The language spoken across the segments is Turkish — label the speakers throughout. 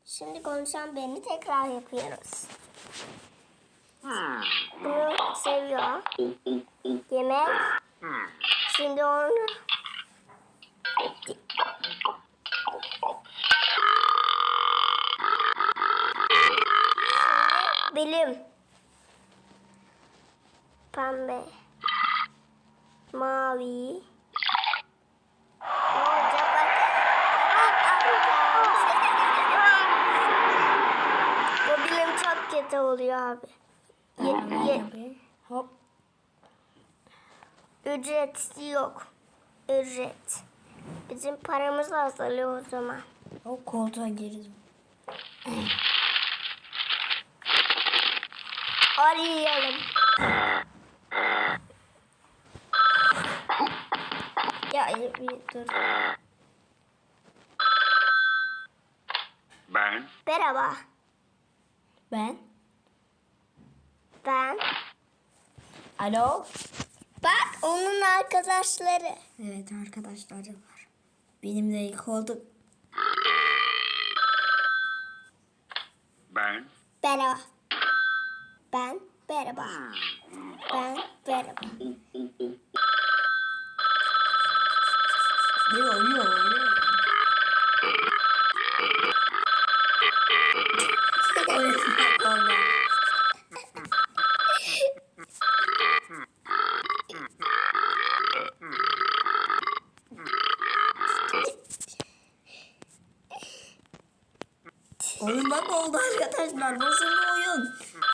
Speaker 1: Şimdi konuşan beni tekrar yapıyoruz. Bunu seviyor. Yemek. Şimdi onu bilim. Pembe. Mavi. Ne olacak bak. Bu bilim çok kötü oluyor abi.
Speaker 2: Hop.
Speaker 1: Ücret yok. Ücret. Bizim paramız azalıyor o zaman.
Speaker 2: Hop koltuğa girdim.
Speaker 1: Arayalım.
Speaker 2: Ya bir dur.
Speaker 3: Ben
Speaker 1: Merhaba.
Speaker 2: Ben.
Speaker 1: Ben.
Speaker 2: Alo.
Speaker 1: Bak onun arkadaşları.
Speaker 2: Evet arkadaşları var. Benim de ilk oldu.
Speaker 3: ben
Speaker 1: Merhaba. Ben. Merhaba. Ben. Merhaba.
Speaker 2: Yo. Oyun bak oldu arkadaşlar. Nasıl bir oyun?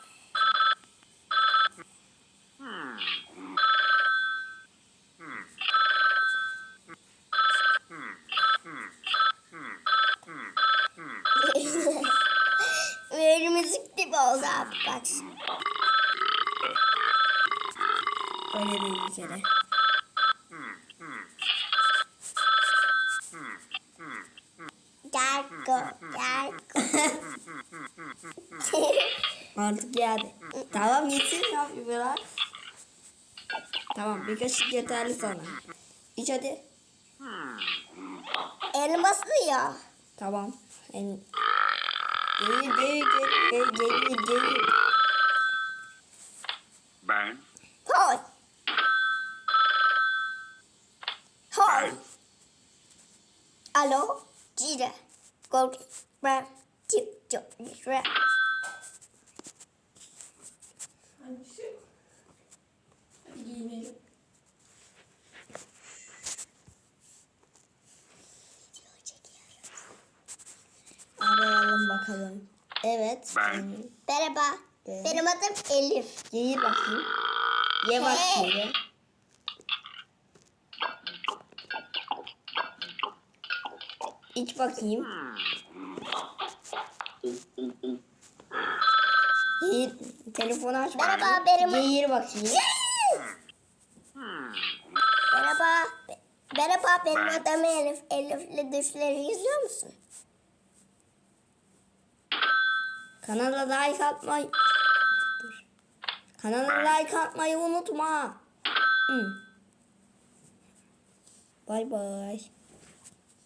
Speaker 1: Böyle müzik gibi oldu abi bak.
Speaker 2: Öyle değil bir kere.
Speaker 1: Gargo.
Speaker 2: Artık geldi. Tamam gitsin ya biraz. Tamam bir kaşık yeterli sana. İç hadi.
Speaker 1: Elması ya.
Speaker 2: Tamam. Gelir.
Speaker 3: ben
Speaker 1: Hoy. Hoy. Alo. Cire. Gol. Ben. Tip. Cire.
Speaker 2: Arayalım bakalım. Evet.
Speaker 3: Ben.
Speaker 1: Merhaba. Benim adım Elif.
Speaker 2: Gelir bakayım. Ye bak şöyle. İç bakayım. Gelir. Telefonu aç bakayım.
Speaker 1: Merhaba, benim-
Speaker 2: Gelir bakayım.
Speaker 1: Merhaba. Merhaba benim
Speaker 3: Ben.
Speaker 1: adım Elif. Elif'le düşleri izliyor musun?
Speaker 2: Kanala like atmayı. Dur. Kanala like atmayı unutma. Bay bay.